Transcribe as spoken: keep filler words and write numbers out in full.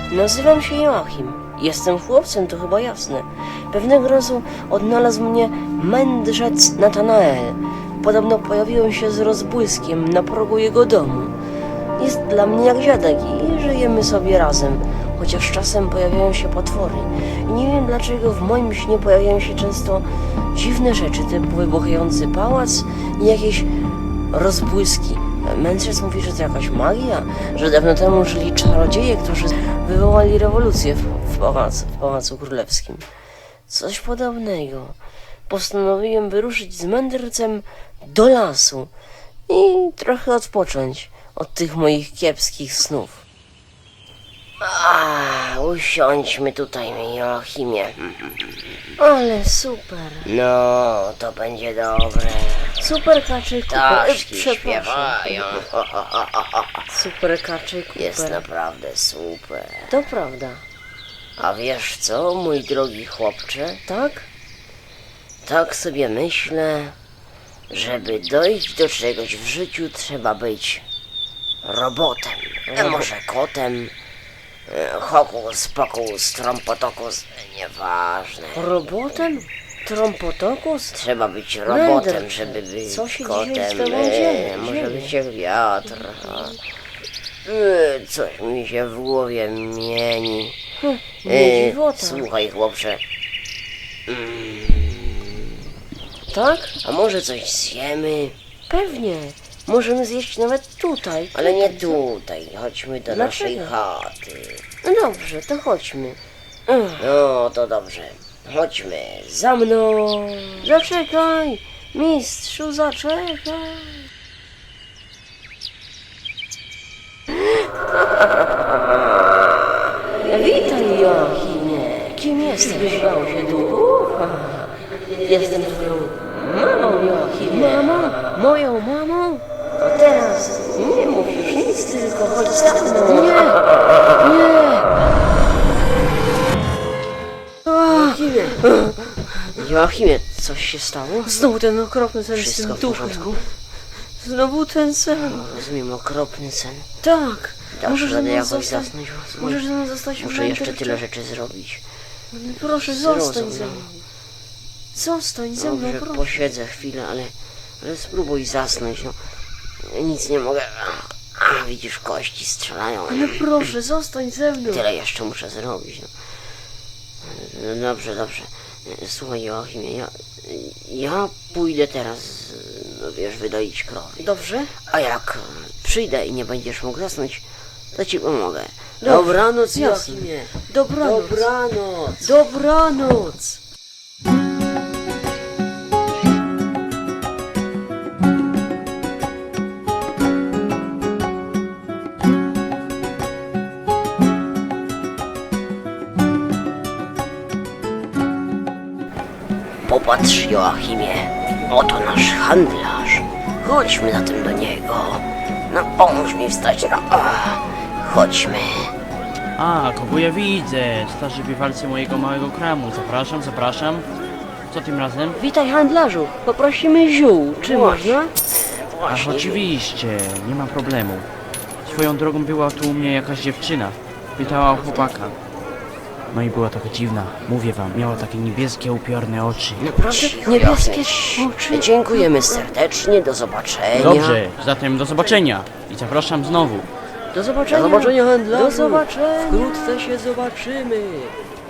Nazywam się Joachim. Jestem chłopcem, to chyba jasne. Pewnego razu odnalazł mnie mędrzec Natanael. Podobno pojawiłem się z rozbłyskiem na progu jego domu. Jest dla mnie jak dziadek i żyjemy sobie razem, chociaż czasem pojawiają się potwory. I nie wiem dlaczego w moim śnie pojawiają się często dziwne rzeczy, typu wybuchający pałac i jakieś rozbłyski. Mędrzec mówi, że to jakaś magia, że dawno temu żyli czarodzieje, którzy wywołali rewolucję w, w, pałacu, w Pałacu Królewskim. Coś podobnego. Postanowiłem wyruszyć z mędrcem do lasu i trochę odpocząć od tych moich kiepskich snów. A, usiądźmy tutaj, Joachimie. Ale super. No, to będzie dobre. Super kaczyku. Ptaszki śpiewają. Super kaczyku. Jest naprawdę super. To prawda. A wiesz co, mój drogi chłopcze? Tak? Tak sobie myślę, żeby dojść do czegoś w życiu, trzeba być robotem. A może kotem? E, Hokus, pokus, trompotokus, nieważne. Robotem? Trompotokus? Trzeba być robotem, Mędrcze. żeby być Co się kotem. dzieje z tobą E, dzieje? Może Dzieje. być jak wiatr. E, Coś mi się w głowie mieni. Hm, E, nie dziwota. Słuchaj, chłopcze. Tak? A może coś zjemy? Pewnie. Możemy zjeść nawet tutaj. Ale nie Tutaj. tutaj. Chodźmy do naszej Dlaczego? chaty. No dobrze, to chodźmy. Ech, No to dobrze. Chodźmy. Za mną. zaczekaj! Mistrzu, zaczekaj! Witaj, Joachimie. Kim jesteś? Bał się duchu? Jestem twoją mamą, Joachim. Mamą? Moją mamą? To teraz nie musisz nic, tylko chodź za mną. Nie! Nie! Joachimie! Joachimie, coś się stało? Znowu ten okropny sen z Wszystko tym w duchem. porządku? Znowu ten sen. Rozumiem, okropny sen. Tak. Dasz Możesz ze radę mną jakoś zostać. zasnąć? Możesz ze mną zostać Muszę jeszcze mędrcem. tyle rzeczy zrobić. Proszę, zostań Zrozum, ze no. mną. Zostań ze mną, Dobrze, proszę. posiedzę chwilę, ale, ale spróbuj zasnąć, no. Nic nie mogę. A, widzisz, kości strzelają. Ale proszę, zostań ze mną. Tyle jeszcze muszę zrobić, no. No dobrze, dobrze. Słuchaj, Joachimie, ja, ja pójdę teraz, no wiesz, wydoić krowy. Dobrze? A jak przyjdę i nie będziesz mógł zasnąć, to ci pomogę. Dobrze, Dobranoc, jasne. Joachimie. Dobranoc. Dobranoc. Dobranoc. Popatrz, Joachimie, oto nasz handlarz. Chodźmy zatem do niego. No, pomóż mi wstać, no. Ach, chodźmy. A, kogo ja widzę? Starzy bywalcy mojego małego kramu. Zapraszam, zapraszam. Co tym razem? Witaj, handlarzu. Poprosimy ziół. Czy Właśnie. można? Ach, Właśnie. oczywiście, nie ma problemu. Swoją drogą była tu u mnie jakaś dziewczyna. Pytała o chłopaka. No i była taka dziwna, mówię wam, miała takie niebieskie, upiorne oczy. Naprawdę? Niebieskie oczy. Dziękujemy serdecznie, do zobaczenia. Dobrze, zatem do zobaczenia i zapraszam znowu. Do zobaczenia. Do zobaczenia, handlarzu. Do zobaczenia. Wkrótce się zobaczymy.